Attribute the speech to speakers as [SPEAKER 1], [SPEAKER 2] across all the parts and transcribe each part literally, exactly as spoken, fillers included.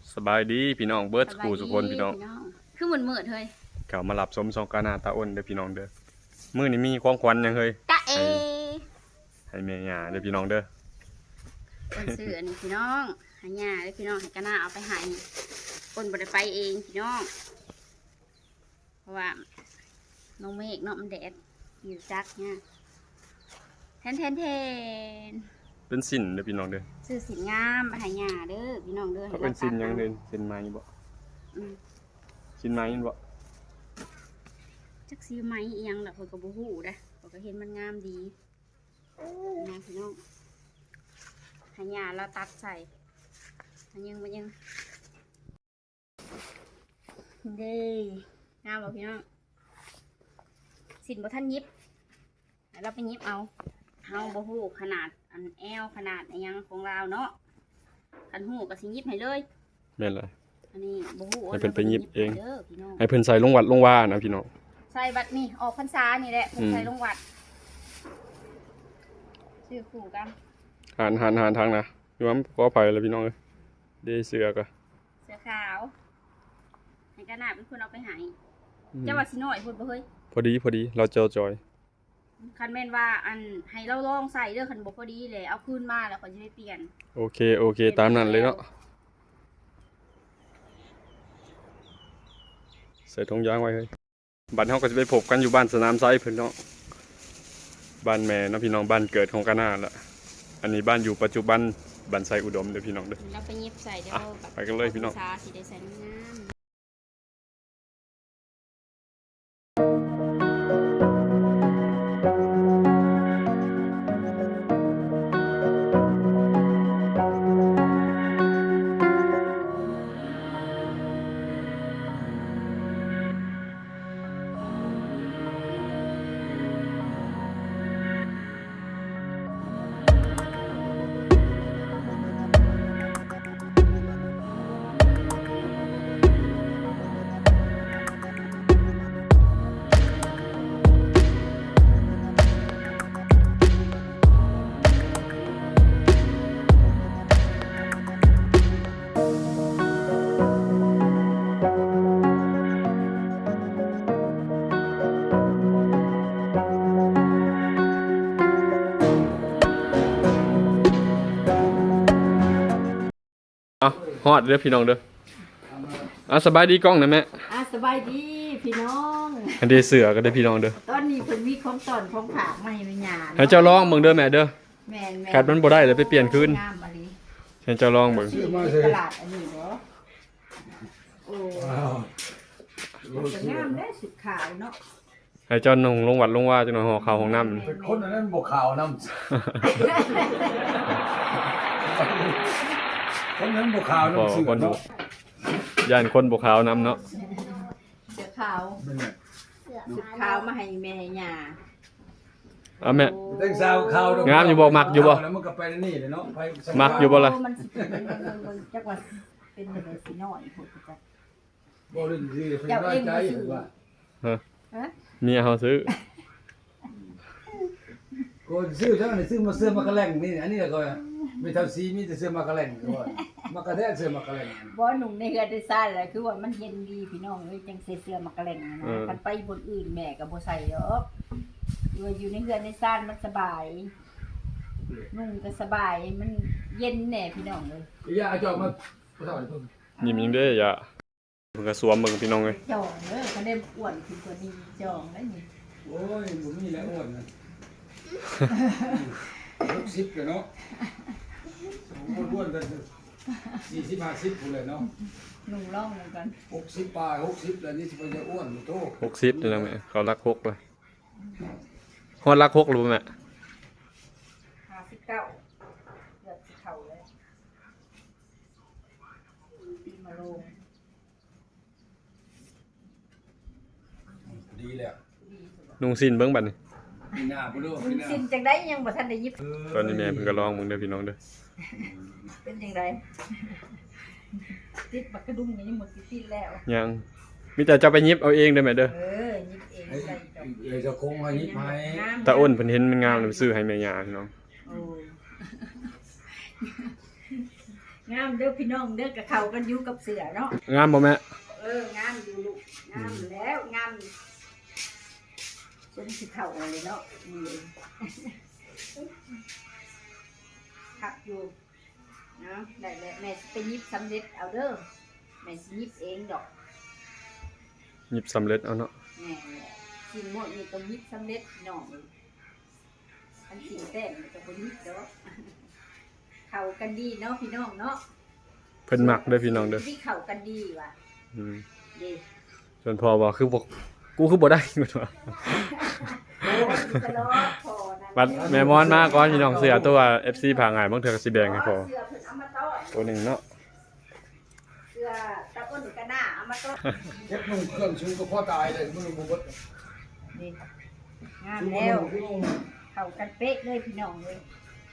[SPEAKER 1] สบายดีพี่น้องเบิร์ดสกูทุกคนพี่น้อง
[SPEAKER 2] คือเหมือนเหมือดเฮ้ย
[SPEAKER 1] เขามาหลับสมสองกานาตาอ้นเด้อพี่น้องเด้อมื้อนี้มีของขวัญยังเฮ้ย
[SPEAKER 2] ตาเอ
[SPEAKER 1] ให้แม่ย่าเด้อพี่น้องเด้อ
[SPEAKER 2] คนซื้ออันนี้พี่น้องให้ย่าเด้อพี่น้องให้กานาเอาไปให้คนบ่ได้ไปเองพี่น้องเพราะว่าน้องเมฆเนาะมันแดดอยู่จักเนี่ยแทนแทนแทน
[SPEAKER 1] เป็นสินเด้อพี่น้องเด้อ
[SPEAKER 2] ซื้อสินงามให้ย่าเด้อพี่น้องเด้อ
[SPEAKER 1] เขาเป็นสินยังเด้อสินไม้บ่สินไม้บ่
[SPEAKER 2] จักซื้อไม้อีหยังล่ะเพิ่นก็บ่ฮู้เด้อเพิ่นก็เห็นมันงามดีนะพี่น้องให้ย่าเราตัดใส่มันยังมันยังเด้งามบ่พี่น้องสินบ่ทันยิบเราไปยิบเอาเฮาบ่ฮู้ขนาดอันแอลขนาดอีหยังของเราเนาะคันฮู้ก็สิยิบให้เลย
[SPEAKER 1] แม่นล่ะ
[SPEAKER 2] อันนี้บ่ฮู้
[SPEAKER 1] ให้เพิ่นไปยิบเอง
[SPEAKER 2] เด้อพี่น้อง
[SPEAKER 1] ให้เพิ่นใส่ลงวัดลงว่านะพี่น้อง
[SPEAKER 2] ใส่บัดนี่ออกพรรษานี่แหละเพิ่นใส่ลงวัดซื้อคู่กัน
[SPEAKER 1] หันหันหันทางนะพี่ว่าขออภัยแล้วพี่น้องเอ้ยเด้เสือกะ
[SPEAKER 2] เสือขาวให้กระนาดเป็นคนเอาไปให้เจ้าว่าสิน้อยพุ่นบ่เฮ้ย
[SPEAKER 1] พอดีพอดีเราเจอจอย
[SPEAKER 2] คันแม่นว่าอันให้เราลองใส่เด้อคันบ่พอดีเลยเอาคืนมาแล้วค่อยสิได้เปลี่ยน
[SPEAKER 1] โอเคโอเคตามนั้นเลยเนาะใส่ถุงยางไว้เฮ้ยบ้านเฮาก็จะไปพบกันอยู่บ้านสนามไซเพิ่นเนาะบ้านแม่เนาะพี่น้องบ้านเกิดของกานาละอันนี้บ้านอยู่ปัจจุบันบ้านไซอุดมเด้อพี่น้องเด้อ
[SPEAKER 2] เราไปเย็บใส่เดี๋ยว
[SPEAKER 1] ไปกันเลยพี่น้อง
[SPEAKER 2] สิได้ใส่งาม
[SPEAKER 1] อ่ะฮอดเด้อพี่น้องเด้ออ่ะสบายดีกล้องนะแม่
[SPEAKER 3] อ่ะสบายดีพี่น้อง
[SPEAKER 1] อันเดเสือก็ได้พี่น้องเด้อ
[SPEAKER 3] ตอนนี้เพิ่นมีของตอนของฝากมาให้แม่ย่า
[SPEAKER 1] ให้เจ้าลองเบิ่งเด้อแม่เด้อ
[SPEAKER 3] แม่นๆ
[SPEAKER 1] ขาดมันบ่ได้เลยไปเปลี่ยนคืน
[SPEAKER 3] งามมะลิ
[SPEAKER 1] ให้เจ้าลองเบิ่ง
[SPEAKER 3] ซื้อมาตลาดอันนี้บ่โอ้ว้าวจะงามได้สุดขาวเนาะ
[SPEAKER 1] ให้เจ้านุ่งลงวัดลงว่าจังหน่อยห่อข้าวของน้ำ
[SPEAKER 4] เป็นคนอันนั้นบ่ขาวน้ำคนนั้นบ่ขาวน้ำสื่อเนาะ
[SPEAKER 1] ย่านคนบ่ขาวน้ำเนาะ
[SPEAKER 3] เสือขาวสุดขาวมาให้แม่ย่า
[SPEAKER 1] เอาแม่
[SPEAKER 4] แต่งสาวขาว
[SPEAKER 1] งามอยู่บ่มักอยู่บ่
[SPEAKER 4] แล้วมันก็ไปนี่เลยเนาะไป
[SPEAKER 1] มักอยู่บ่ล่ะ
[SPEAKER 3] มันสิเป็นจักว่าเป็นจังสิน้อยพุ่นจัก
[SPEAKER 4] บ่ได้สิเพิ่นน้อยใจว่า
[SPEAKER 1] ฮะเมียเฮาซื้อ
[SPEAKER 4] คนซื้อเท่านั้นซื้อมาเสื้อมากระแลงนี่อันนี้ก็ไม่เท่าสีมีแต่เสื้อมากระแลงด้วยมากระแทกเสื้อมากระแลง
[SPEAKER 3] บ่หนุ่มในเฮือนได้ซ่านแหละคือว่ามันเย็นดีพี่น้องเอ้ยจังใส่เสื้อมากระแลงนะคันไปบนอื่นแม่ก็บ่ใส่ดอกอยู่ในเฮือนในซ่านมันสบายนุ่งก็สบายมันเย็นแน่พี่น้องเอ้ย
[SPEAKER 4] อย่าจอกมาบ่ทำอะไรเพิ่น
[SPEAKER 1] ยิ้มยิ้มเด้ออย่าเพิ่นก็สวมเบิ่งพี่น้องเอ้ย
[SPEAKER 3] จองเด้อคันได้อ้วนขึ้นกว่านี้จองได้นี่
[SPEAKER 4] โอ้ยบ่มีแล้วอ้วนนะหกสิบเลยเนาะอ้วนๆกันสี่สิบห้าสิบพุ่นเลยเนาะ
[SPEAKER 3] หนุ่มร่องเหมือนกัน
[SPEAKER 4] หกสิบปลายหกสิบแล้วนี่สิไปจะอ้วนโต
[SPEAKER 1] หกสิบนี่นะแม่เขารักหกเลยฮอดรักหกรู้แม่
[SPEAKER 3] ห้าสิบเก้าเกือบสิเข้าเลยปีมาลง
[SPEAKER 4] ดีแล้ว
[SPEAKER 1] นุ่งสิ้นเบิ่งบัดนี้
[SPEAKER 4] หน้าบ่รู้
[SPEAKER 3] มึงสิ้นจังได๋ยังบ่ทันได้ยิบ
[SPEAKER 1] ตอนนี้แม่เพิ่นก็ลองมึงเด้อพี่น้องเด้อ
[SPEAKER 3] เป็นจังได๋ติดบักกระดุมก็ยังหมดสิติดแล้ว
[SPEAKER 1] ยังมีแต่เจ้าไปยิบเอาเองเด้อแม่เด้อ
[SPEAKER 3] เออยิบเองใส่ดอก
[SPEAKER 4] เอ้ยจะคงให้ยิบให้
[SPEAKER 1] ตาอ้นเพิ่นเห็นมันงามเลยซื้อให้แม่ย่าพี่น้อง
[SPEAKER 3] โอ้งามเด้อพี่น้องเด้อกับเขากันอยู่กับเสือเนาะ
[SPEAKER 1] งามบ่แม่
[SPEAKER 3] เอองามอยู่ลูกงามแล้วงามจนสิเข่าเลยเนาะนี่ขับอยู่เนาะได้แล้วแม่สิไปยิบสำเร็จเอาเด้อแม่สิยิบเองดอก
[SPEAKER 1] หยิบสำเร็จเอาเนาะ
[SPEAKER 3] แม่กินหมดนี่ต้องยิบสำเร็จพี่น้องเลยอันกินแต้มมันจะบ่ยิบดอกเข้ากันดีเนาะพี่น้องเนาะ
[SPEAKER 1] เพิ่นมักเด้อพี่น้องเด้อ
[SPEAKER 3] ที่เข้ากันดีว่ะ
[SPEAKER 1] อืม
[SPEAKER 3] ดี
[SPEAKER 1] จนพอว่าคือบ่กูคือบ่ได้ กูว่า
[SPEAKER 3] โอ้ยตลอดพอนะ
[SPEAKER 1] บัดแม่มอนมาก่อนพี่น้องเสือตัว เอฟ ซี ผาง่ายบางเทื่อก็สิแบ่งให้พอ
[SPEAKER 3] เสื้อเพิ่นเอามาต้อน
[SPEAKER 1] ตัวหนึงเนาะ
[SPEAKER 3] เสื้อตะอ้นกระหน้าเอามาต้อน
[SPEAKER 4] เก็บนุ่งเครื่องชูก็พอตายเลยมันบ่เบิด
[SPEAKER 3] นี่งาม
[SPEAKER 4] ชู
[SPEAKER 3] แล้ว
[SPEAKER 4] มันนุ่ง
[SPEAKER 3] เข้ากันเป๊ะเลยพี่น้องเลย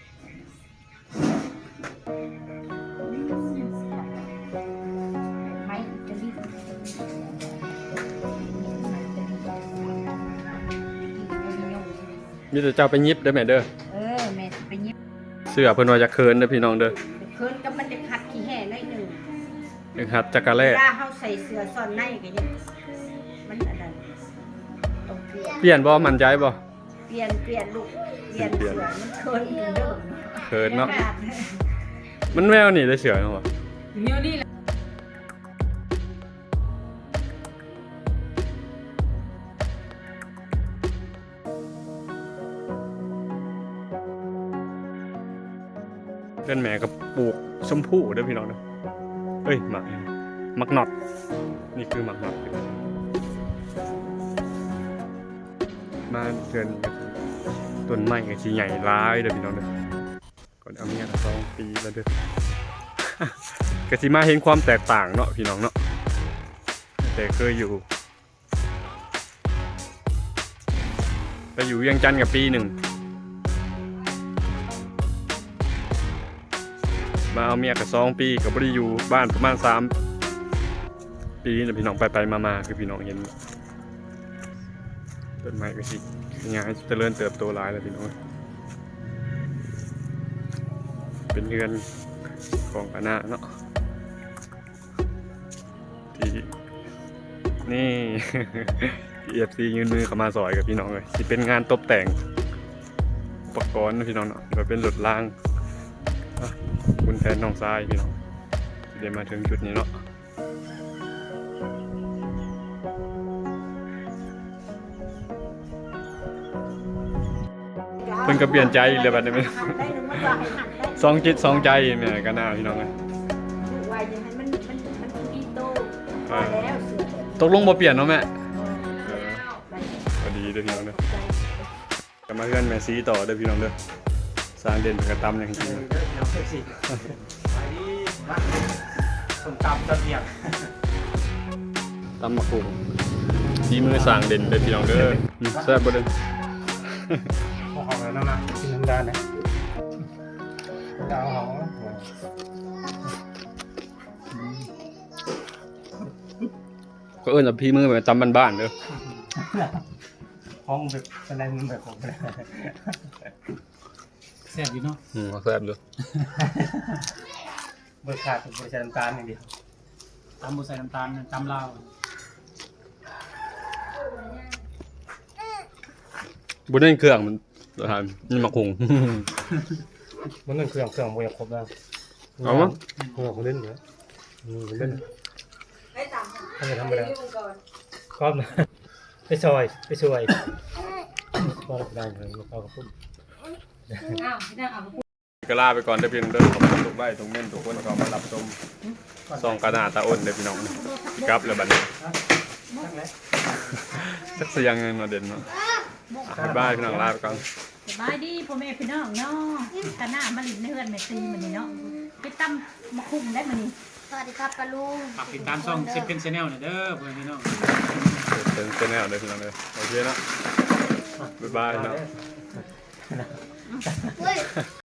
[SPEAKER 3] ไม้อิตาลี
[SPEAKER 1] มีแต่เจ้าไปยิบเด้อแม่เด้อ
[SPEAKER 3] เออแม่สิไปยิบ
[SPEAKER 1] เสือเพิ่นว่าจะเคินเด้อพี่น้องเด้อ
[SPEAKER 3] เคินกับมันจะขัดขี้แห่หน่อยหนึ่ง
[SPEAKER 1] นึกหัดจักระแล
[SPEAKER 3] เวลาเฮาใส่เสื้อซ่อนในก็ยังมันอันนั้นต้องเปลี่ยน
[SPEAKER 1] เปลี่ยนบ่มั่นใจบ่
[SPEAKER 3] เปลี่ยนเปลี่ยนลูกเปลี่ยนเสื้อมันเคินอยู่เด้อ
[SPEAKER 1] เคินเนาะมันแววนี่ได้เสือเนาะ
[SPEAKER 3] เดี๋ยวนี้
[SPEAKER 1] เพื่อนแม่ก็ปลูกชมพู่เด้อพี่น้องเด้อเอ้ยหมักหมักหนอดนี่คือหมักหนอดมาเดือนนี้ก็คือต้นไม้ก็สิใหญ่หลายเด้อพี่น้องเด้อก่อนเอาเมียก็สองปีแล้วเด้อ ก็สิมาเห็นความแตกต่างเนาะพี่น้องเนาะแต่เคยอยู่ไปอยู่เวียงจันทน์กับปีหนึ่งมาเอาเมียกับสองปีกับบริอยู่บ้านประมาณสามปีนะพี่น้องไปไปมามาคือพี่น้องเห็นต้นไม้ก็สิงานเจริญเติบโตหลายแล้วพี่น้องเป็นเรือนของคณะเนาะที่นี่ เอฟซียืนมือเข้ามาซอยกับพี่น้องเลยที่เป็นงานตกแต่งอุปกรณ์นะพี่น้องเนาะแบบเป็นหลุดล่างอ่ะคุณแทนน้องทรายพี่น้องเดี๋ยวมาถึงจุดนี้เนาะเพิ่นก็เปลี่ยนใจอีกเลยบัดนี้ สองจิตสองใจแม่ก็น่าพี่น้องเลย
[SPEAKER 3] ว่าอย่างนั้นมันมันมันดีโตพอแล้วเสือ
[SPEAKER 1] ตกลงบ่เปลี่ยนเนาะแม่เออพอดีเด้อพี่น้องเด้อจะมาเพื่อนแม่ซีต่อเด้อพี่น้องเด้อสร้างเด่นเป็นกระตำอย่างจริง
[SPEAKER 5] เดี๋ยวเก็บสิไปดีมาส้มตำตะเกียบ
[SPEAKER 1] ตำมะกรูดดีมือสร้างเด่นเด้อพี่น้องเด้ออืมแซ่บบ่เด้อ
[SPEAKER 5] พอหอมแล้วนะนะกินน้ำดานนะดาวหอม
[SPEAKER 1] ก็เอิ้นว่าพี่มือแบบตำบ้านๆเด้อ
[SPEAKER 5] ห้องแบบอะไรมึงแบบผมเลยแซ่บอยู่เนาะ
[SPEAKER 1] อืมแซ่บเด้อ
[SPEAKER 5] เบอร์ขาดเป็นเบอร์ใส่น้ำตาลอย่างเดียวตำบุใส่น้ำตาลตำลาว
[SPEAKER 1] บ่ได้เครื่องมันทานนี่มะคุง
[SPEAKER 5] มันเงินเครื่องเครื่องมันยังครบแล้ว
[SPEAKER 1] เอามั้ง
[SPEAKER 5] เครื่องของเล่นเยอะอืมเล่น
[SPEAKER 3] ให้ตาม
[SPEAKER 5] ทำไปทำไปแล้ว
[SPEAKER 3] ก่อน
[SPEAKER 5] ครอบนะไปซอยไปช่วยก็ได้เลยเอากระปุก
[SPEAKER 3] อ้าวพี่นางเอา
[SPEAKER 1] ก็ลาไปก่อนเด้อพี่น้องเด้อขอบคุณทุกใบทุกเม่นทุกคนที่เข้ามารับชมซองกระดาษตาอ้นเด้อพี่น้องกลับแล้วบัดนี้
[SPEAKER 5] ทั้งแล้ว
[SPEAKER 1] สักเสียงเงินมาเด่นเนาะบ๊ายบายพี่น้องลาไปก่อน
[SPEAKER 6] สบายดีพ่อแม่พี่น้องเนาะกะหน้ามาลินในเฮือนแม่ซีมันนี่เนาะไปตำมะคุ้มได้มันนี่
[SPEAKER 2] สวัสดีครับปาลุง
[SPEAKER 5] ฝากติดตามช่องเซฟเป็นชาแนลหน่อยเด้อเพื่อนพี่น้อง
[SPEAKER 1] เป็นเป็นแนวเด้อพี่น้องเด้อโอเคเนาะบ๊ายบายเนาะ